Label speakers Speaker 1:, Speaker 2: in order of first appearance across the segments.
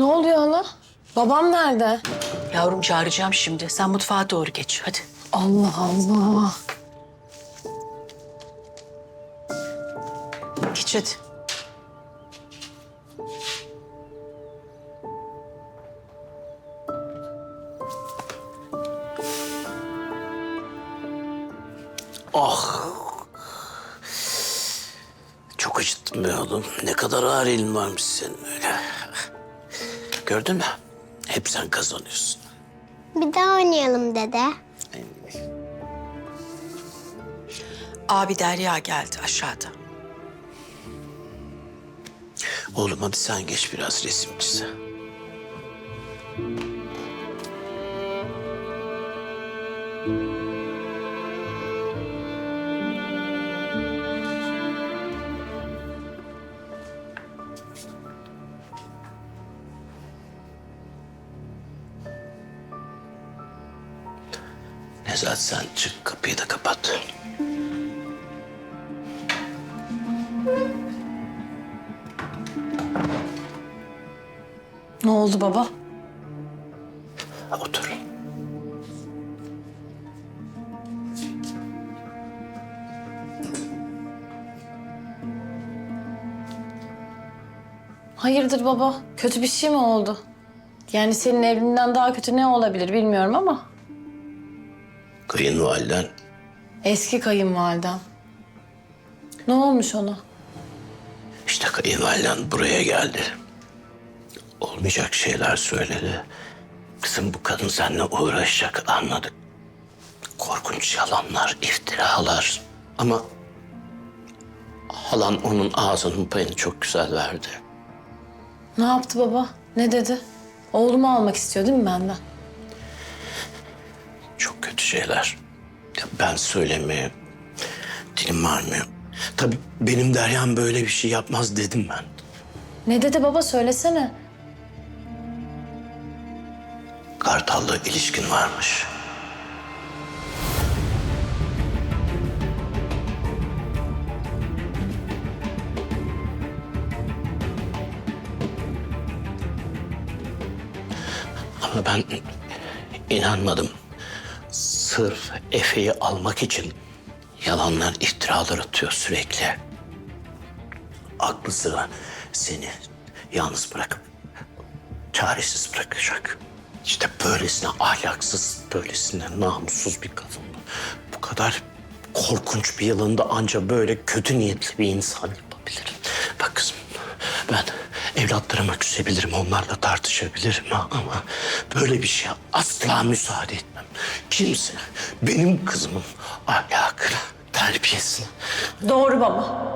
Speaker 1: Ne oluyor hala? Babam nerede?
Speaker 2: Yavrum çağıracağım şimdi. Sen mutfağa doğru geç. Hadi.
Speaker 1: Allah Allah.
Speaker 2: Geç hadi.
Speaker 3: Ah. Çok acıttın be oğlum. Ne kadar ağır elin varmış senin öyle. Gördün mü? Hep sen kazanıyorsun.
Speaker 4: Bir daha oynayalım dede.
Speaker 2: Abi Derya geldi aşağıda.
Speaker 3: Oğlum hadi sen geç biraz resim çize. Nezahat sen çık kapıyı da kapat.
Speaker 1: Ne oldu baba?
Speaker 3: Otur.
Speaker 1: Hayırdır baba? Kötü bir şey mi oldu? Yani senin evliliğinden daha kötü ne olabilir bilmiyorum ama.
Speaker 3: Kayınvaliden
Speaker 1: Eski kayınvalidem. Ne olmuş ona?
Speaker 3: işte kayınvaliden buraya geldi. Olmayacak şeyler söyledi. Kızım bu kadın seninle uğraşacak anladık. Korkunç yalanlar, iftiralar. Ama halan onun ağzının payını çok güzel verdi.
Speaker 1: Ne yaptı baba? Ne dedi? Oğlumu almak istiyor değil mi benden?
Speaker 3: Çok kötü şeyler. Ya ben söylemeye dilim varmıyor. Tabii benim Derya'm böyle bir şey yapmaz dedim ben.
Speaker 1: Ne dedi baba söylesene.
Speaker 3: Kartal'la ilişkin varmış. Ama ben inanmadım. Sırf Efe'yi almak için yalanlar, iftiralar atıyor sürekli. Aklı sıra seni yalnız bırakıp çaresiz bırakacak. İşte böylesine ahlaksız, böylesine namussuz bir kadın. Bu kadar korkunç bir yılında anca böyle kötü niyetli bir insan yapabilir. Bak kızım, ben evlatlarıma küsebilirim, onlarla tartışabilirim ama böyle bir şeye asla müsaade etmem. Kimse benim kızımın ahlakına, terbiyesine.
Speaker 1: Doğru baba.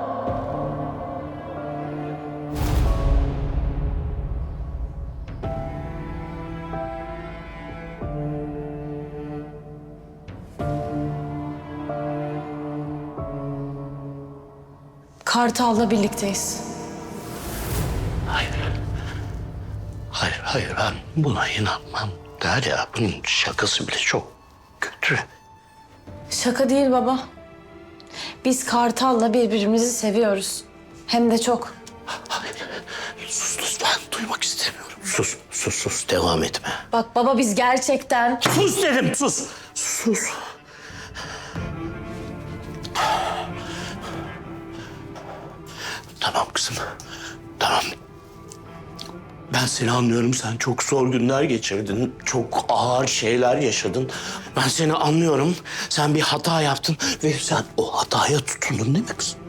Speaker 1: Kartal'la birlikteyiz.
Speaker 3: Hayır. Hayır, ben buna inanmam. Derya, bunun şakası bile çok kötü.
Speaker 1: Şaka değil baba. Biz Kartal'la birbirimizi seviyoruz. Hem de çok.
Speaker 3: Hayır, sus lütfen, duymak istemiyorum. Sus, devam etme.
Speaker 1: Bak baba biz gerçekten...
Speaker 3: Sus dedim, sus. Tamam kızım, tamam. Ben seni anlıyorum. Sen çok zor günler geçirdin. Çok ağır şeyler yaşadın. Ben seni anlıyorum. Sen bir hata yaptın ve sen o hataya tutundun değil mi kızım?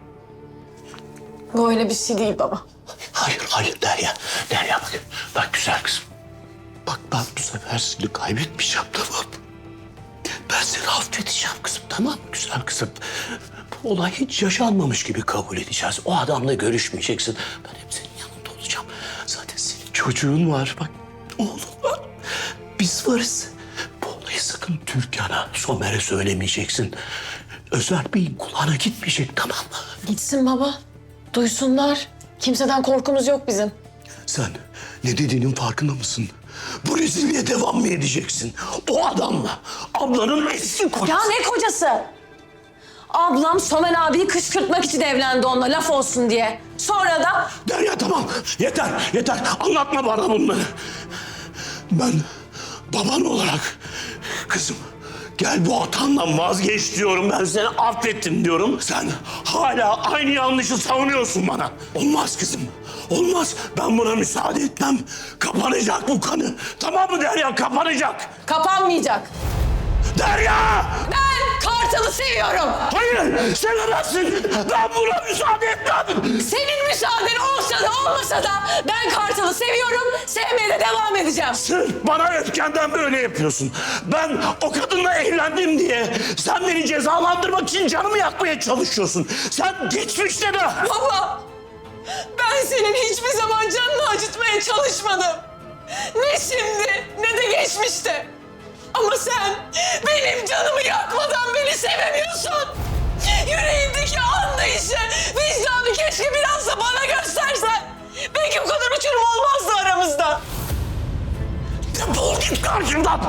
Speaker 1: Bu öyle bir şey değil baba.
Speaker 3: Hayır Derya. Derya bak. Bak güzel kızım. Bak ben bu sefer seni kaybetmeyeceğim tamam mı? Ben seni affedeceğim kızım tamam mı güzel kızım? Bu olay hiç yaşanmamış gibi kabul edeceğiz. O adamla görüşmeyeceksin. Ben hep senin yanında olacağım. Zaten senin çocuğun var bak. Oğlun var. Biz varız. Bu olayı sakın Türkan'a, Somer'e söylemeyeceksin. Özer Bey'in kulağına gitmeyecek tamam mı?
Speaker 1: Gitsin baba. Duysunlar. Kimseden korkumuz yok bizim.
Speaker 3: Sen ne dediğinin farkında mısın? Bu rezilliğe devam mı edeceksin? O adamla ablanın eski kocası.
Speaker 1: Ya ne kocası? Ablam Somer abiyi kışkırtmak için evlendi onunla laf olsun diye. Sonra da
Speaker 3: Derya tamam. Yeter, yeter. Anlatma bana bunları. Ben baban olarak kızım gel bu hatandan vazgeç diyorum. Ben seni affettim diyorum. Sen hala aynı yanlışı savunuyorsun bana. Olmaz kızım. Olmaz. Ben buna müsaade etmem. Kapanacak bu kanı. Tamam mı Derya? Kapanacak.
Speaker 1: kapanmayacak.
Speaker 3: Derya!
Speaker 1: Ben Kartal'ı seviyorum.
Speaker 3: Hayır! Sevemezsin! Ben buna müsaade etmem!
Speaker 1: Senin müsaaden olsa da olmasa da ben Kartal'ı seviyorum. Sevmeye de devam edeceğim.
Speaker 3: Sırf bana öfkenden böyle yapıyorsun. Ben o kadınla evlendim diye sen beni cezalandırmak için canımı yakmaya çalışıyorsun. Sen geçmişte de...
Speaker 1: Baba, ben senin hiçbir zaman canını acıtmaya çalışmadım. Ne şimdi ne de geçmişte. Ama sen benim canımı yakmadan beni sevemiyorsun. Yüreğindeki anlayışı, vicdanı keşke biraz da bana göstersen. Belki bu kadar uçurum olmazdı aramızda.
Speaker 3: Defol git karşımdan!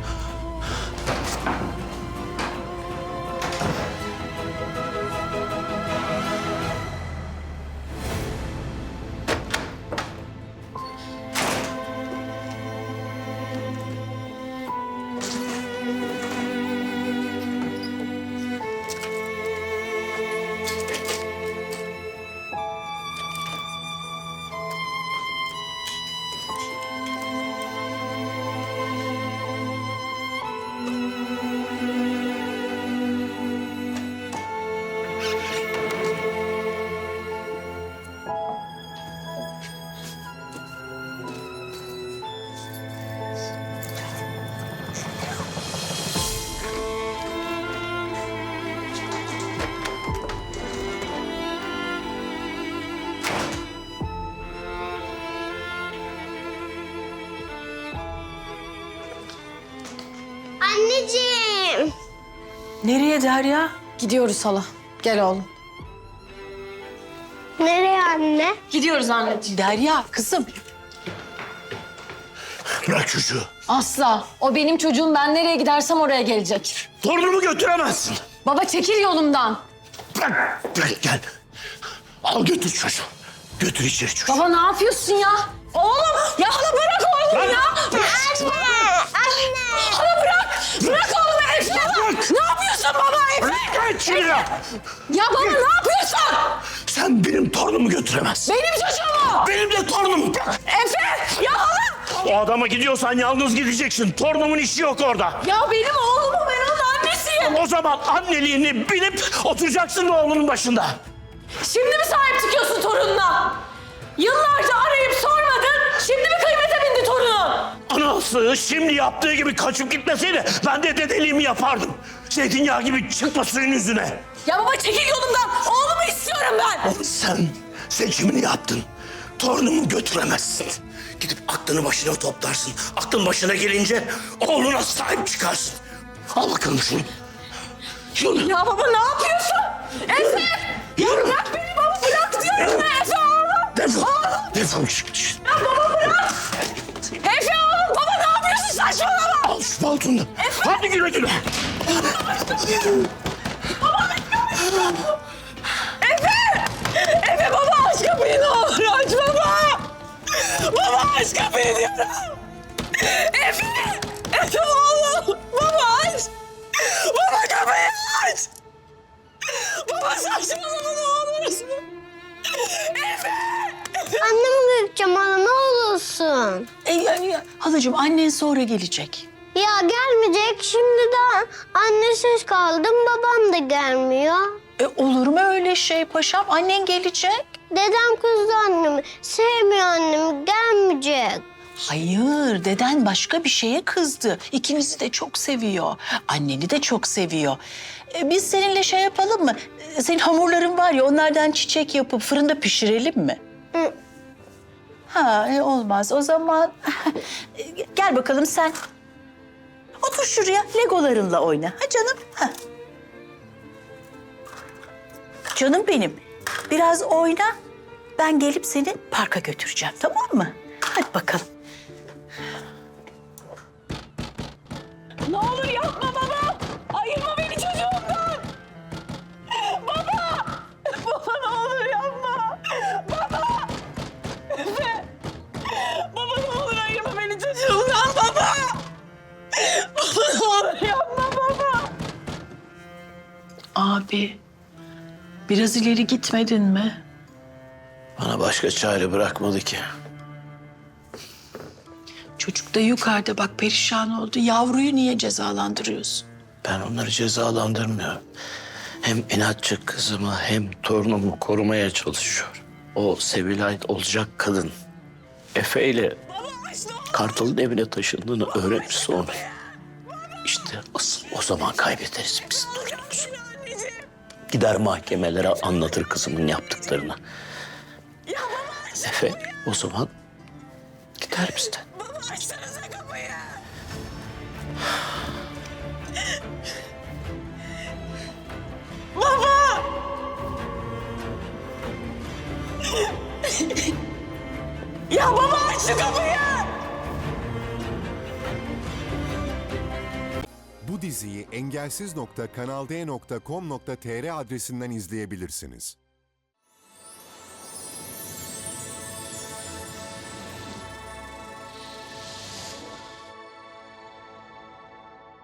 Speaker 4: Anneciğim.
Speaker 2: Nereye Derya?
Speaker 1: Gidiyoruz hala. Gel oğlum.
Speaker 4: Nereye anne?
Speaker 1: Gidiyoruz anneciğim.
Speaker 2: Derya kızım.
Speaker 3: Bırak çocuğu.
Speaker 1: Asla. O benim çocuğum. Ben nereye gidersem oraya gelecek.
Speaker 3: Torunumu götüremezsin.
Speaker 1: Baba çekil yolumdan.
Speaker 3: Bırak, bırak gel. Al götür çocuğu. Götür içeri çocuğu.
Speaker 1: Baba ne yapıyorsun ya? Oğlum ya hala bırak oğlum ya.
Speaker 4: Anne. Anne.
Speaker 1: Hala bırak. Bırak oğlum Efe. Ne yapıyorsun baba Efe?
Speaker 3: Bırak şuraya.
Speaker 1: Ya baba ne yapıyorsun?
Speaker 3: Sen benim torunumu götüremezsin.
Speaker 1: Benim çocuğum o.
Speaker 3: Benim de torunum. Bırak.
Speaker 1: Efe ya hala.
Speaker 3: O adama gidiyorsan yalnız gideceksin. Torunumun işi yok orada.
Speaker 1: Ya benim oğlum o. Ben onun annesiyim.
Speaker 3: O zaman anneliğini bilip oturacaksın oğlunun başında.
Speaker 1: Şimdi mi sahip çıkıyorsun torununa? Yıllarca arayıp sormadın. Şimdi mi kıymete bindi torunun?
Speaker 3: Anası şimdi yaptığı gibi kaçıp gitmeseydi ben de dedeliğimi yapardım. Zeytinyağı gibi çıkma suyun yüzüne.
Speaker 1: Ya baba çekil yolumdan. Oğlumu istiyorum ben.
Speaker 3: Sen seçimini yaptın. Torunumu götüremezsin. Gidip aklını başına toplarsın. Aklın başına gelince oğluna sahip çıkarsın. Al bakalım şunu. Şunu.
Speaker 1: Ya baba ne yapıyorsun? Efe!
Speaker 3: Yürü.
Speaker 1: Bırak beni baba bırak diyorum ya Efe oğlum.
Speaker 3: Defol.
Speaker 1: Oğlum.
Speaker 3: Defol çık.
Speaker 1: Ya baba bırak. Efe oğlum baba ne yapıyorsun saçmalama.
Speaker 3: Al şu paltonu. Hadi güle güle.
Speaker 1: Efe! Efe baba aç kapıyı ne olur aç baba. Baba aç kapıyı diyorum. Efe! Efe oğlum. Baba aç. Baba kapıyı aç. Baba saçmalama ne olursun. Efe!
Speaker 4: Annemi göreceğim ana ne olursun.
Speaker 2: Halacığım annen sonra gelecek.
Speaker 4: Ya gelmeyecek. Şimdiden annesiz kaldım. Babam da gelmiyor.
Speaker 2: Olur mu öyle şey paşam? Annen gelecek.
Speaker 4: Dedem kızdı annemi. Sevmiyor annemi. Gelmeyecek.
Speaker 2: Hayır, deden başka bir şeye kızdı. İkinizi de çok seviyor. Anneni de çok seviyor. Biz seninle şey yapalım mı? Senin hamurların var ya, onlardan çiçek yapıp fırında pişirelim mi?
Speaker 4: Hı.
Speaker 2: Ha, olmaz. O zaman gel bakalım sen. Otur şuraya, legolarınla oyna. Ha canım? Ha. Canım benim. Biraz oyna. Ben gelip seni parka götüreceğim, tamam mı? Hadi bakalım.
Speaker 1: Ne olur yapma baba. Ayırma beni çocuğumdan.
Speaker 2: Abi, biraz ileri gitmedin mi?
Speaker 3: Bana başka çare bırakmadı ki.
Speaker 2: Çocuk da yukarıda bak perişan oldu. Yavruyu niye cezalandırıyorsun?
Speaker 3: Ben onları cezalandırmıyorum. Hem inatçı kızımı hem torunumu korumaya çalışıyorum. O Sevilay olacak kadın Efe ile Kartal'ın evine taşındığını öğrenirse onu. İşte asıl o zaman kaybederiz biz torunumuzu. Gider mahkemelere anlatır kızımın yaptıklarını. Efe o zaman gider bizden.
Speaker 1: Açsanıza kapıyı. Baba! Ya baba aç şu kapıyı!
Speaker 5: Bu diziyi engelsiz.kanalde.com.tr adresinden izleyebilirsiniz.